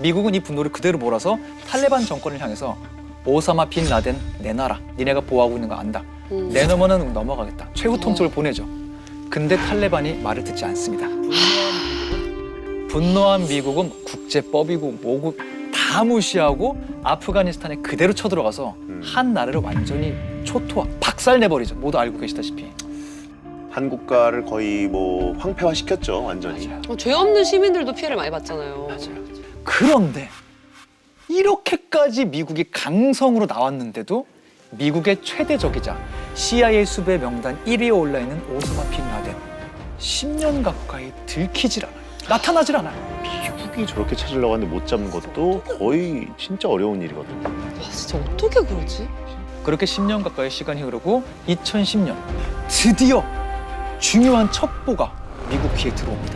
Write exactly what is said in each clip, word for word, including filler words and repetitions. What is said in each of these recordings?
미국은 이 분노를 그대로 몰아서 탈레반 정권을 향해서 오사마 빈 라덴 내놔라. 니네가 보호하고 있는 거 안다. 음. 내놓으면 넘어가겠다. 최후 통첩을 보내죠. 근데 탈레반이 말을 듣지 않습니다. 분노한 미국은 국제법이고 뭐고 다 무시하고 아프가니스탄에 그대로 쳐들어가서 음. 한 나라를 완전히 초토화, 박살내버리죠. 모두 알고 계시다시피. 한 국가를 거의 뭐 황폐화시켰죠, 완전히. 맞아요. 어, 죄 없는 시민들도 피해를 많이 받잖아요. 맞아요. 그런데 이렇게까지 미국이 강성으로 나왔는데도 미국의 최대 적이자 씨아이에이 수배 명단 일 위에 올라있는 오사마 빈 라덴 십 년 가까이 들키질 않아요. 나타나질 않아요. 미국이 저렇게 찾으려고 하는데 못 잡는 것도 거의 진짜 어려운 일이거든요. 와, 진짜 어떻게 그러지? 그렇게 십 년 가까이 시간이 흐르고 이천십 년 드디어 중요한 첩보가 미국 귀에 들어옵니다.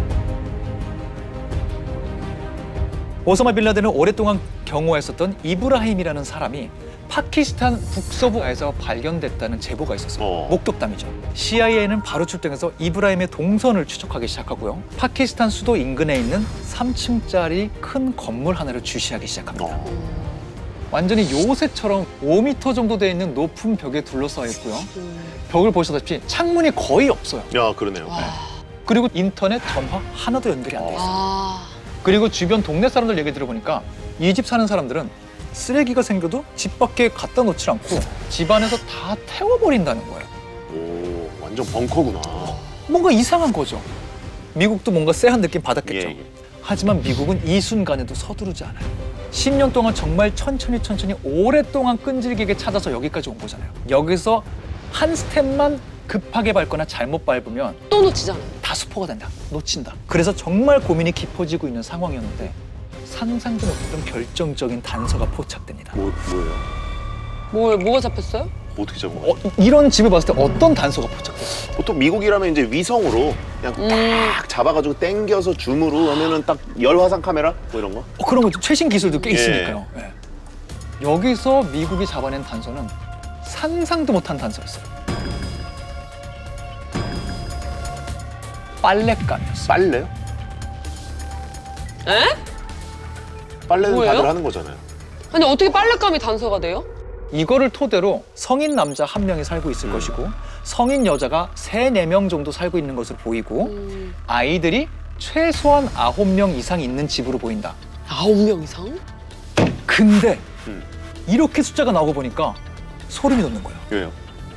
오사마 빈 라덴을 오랫동안 경호했었던 이브라힘이라는 사람이 파키스탄 북서부에서 발견됐다는 제보가 있었어요. 어. 목격담이죠. 씨아이에이는 바로 출동해서 이브라힘의 동선을 추적하기 시작하고요. 파키스탄 수도 인근에 있는 삼 층짜리 큰 건물 하나를 주시하기 시작합니다. 어. 완전히 요새처럼 오 미터 정도 돼 있는 높은 벽에 둘러싸여 있고요. 음. 벽을 보시다시피 창문이 거의 없어요. 야, 그러네요. 와. 그리고 인터넷, 전화 하나도 연결이 안 돼 있어요. 아. 그리고 주변 동네 사람들 얘기 들어보니까 이 집 사는 사람들은 쓰레기가 생겨도 집 밖에 갖다 놓지 않고 집 안에서 다 태워버린다는 거예요. 오, 완전 벙커구나. 뭔가 이상한 거죠. 미국도 뭔가 쎄한 느낌 받았겠죠. 예, 예. 하지만 미국은 이 순간에도 서두르지 않아요. 십 년 동안 정말 천천히 천천히 오랫동안 끈질기게 찾아서 여기까지 온 거잖아요. 여기서 한 스텝만 급하게 밟거나 잘못 밟으면 또 놓치잖아. 다 수포가 된다. 놓친다. 그래서 정말 고민이 깊어지고 있는 상황이었는데 상상도 못했던 결정적인 단서가 포착됩니다. 뭐, 뭐예요? 뭘, 뭐가 잡혔어요? 어떻게 잡은 거예요? 어, 이런 집을 봤을 때 어떤 단서가 포착됐어요? 보통 미국이라면 이제 위성으로 그냥 음. 딱 잡아가지고 당겨서 줌으로 하면은 딱 열화상 카메라 뭐 이런 거? 어, 그런 거 최신 기술도 꽤 예. 있으니까요. 예. 여기서 미국이 잡아낸 단서는 상상도 못한 단서였어요. 빨랫감이었어요. 빨래요? 에? 빨래는 뭐예요? 다들 하는 거잖아요. 근데 어떻게 빨랫감이 단서가 돼요? 이거를 토대로 성인 남자 한 명이 살고 있을 음. 것이고 성인 여자가 세, 네 명 정도 살고 있는 것으로 보이고 음. 아이들이 최소한 아홉 명 이상 있는 집으로 보인다. 아홉 명 이상? 근데 음. 이렇게 숫자가 나오고 보니까 소름이 돋는 거예요. 왜요?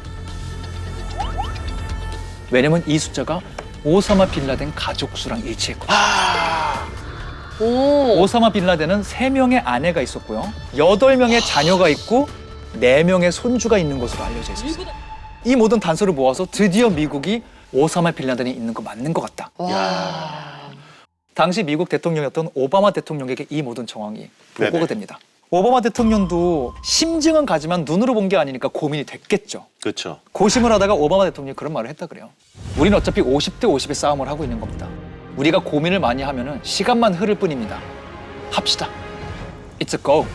왜냐면 이 숫자가 오사마 빈 라덴 가족 수랑 일치했거든요. 아, 오. 오사마 빈 라덴은 세 명의 아내가 있었고요. 여덟 명의 자녀가 있고 네 명의 손주가 있는 것으로 알려져 있었어요. 이 모든 단서를 모아서 드디어 미국이 오사마 빈 라덴이 있는 거 맞는 것 같다. 와. 당시 미국 대통령이었던 오바마 대통령에게 이 모든 정황이 보고가 네네. 됩니다. 오바마 대통령도 심증은 가지만 눈으로 본 게 아니니까 고민이 됐겠죠. 그렇죠. 고심을 하다가 오바마 대통령이 그런 말을 했다 그래요. 우리는 어차피 오십 대 오십의 싸움을 하고 있는 겁니다. 우리가 고민을 많이 하면은 시간만 흐를 뿐입니다. 합시다. It's a go.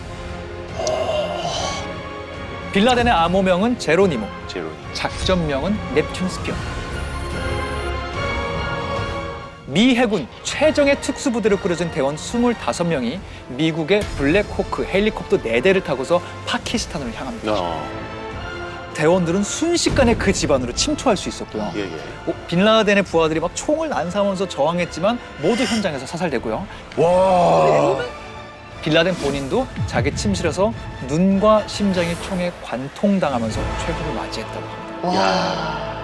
빌라덴의 암호명은 제로니모, 제로. 작전명은 넵튠 스피어. 미 해군 최정예 특수부대를 꾸려준 대원 스물다섯 명이 미국의 블랙호크 헬리콥터 네 대를 타고서 파키스탄으로 향합니다. 어, 대원들은 순식간에 그 집안으로 침투할 수 있었고요. 예, 예. 어, 빈라덴의 부하들이 막 총을 난사하면서 저항했지만 모두 현장에서 사살되고요. 와. 빈라덴 본인도 자기 침실에서 눈과 심장이 총에 관통당하면서 최후를 맞이했다고 합니다. 와.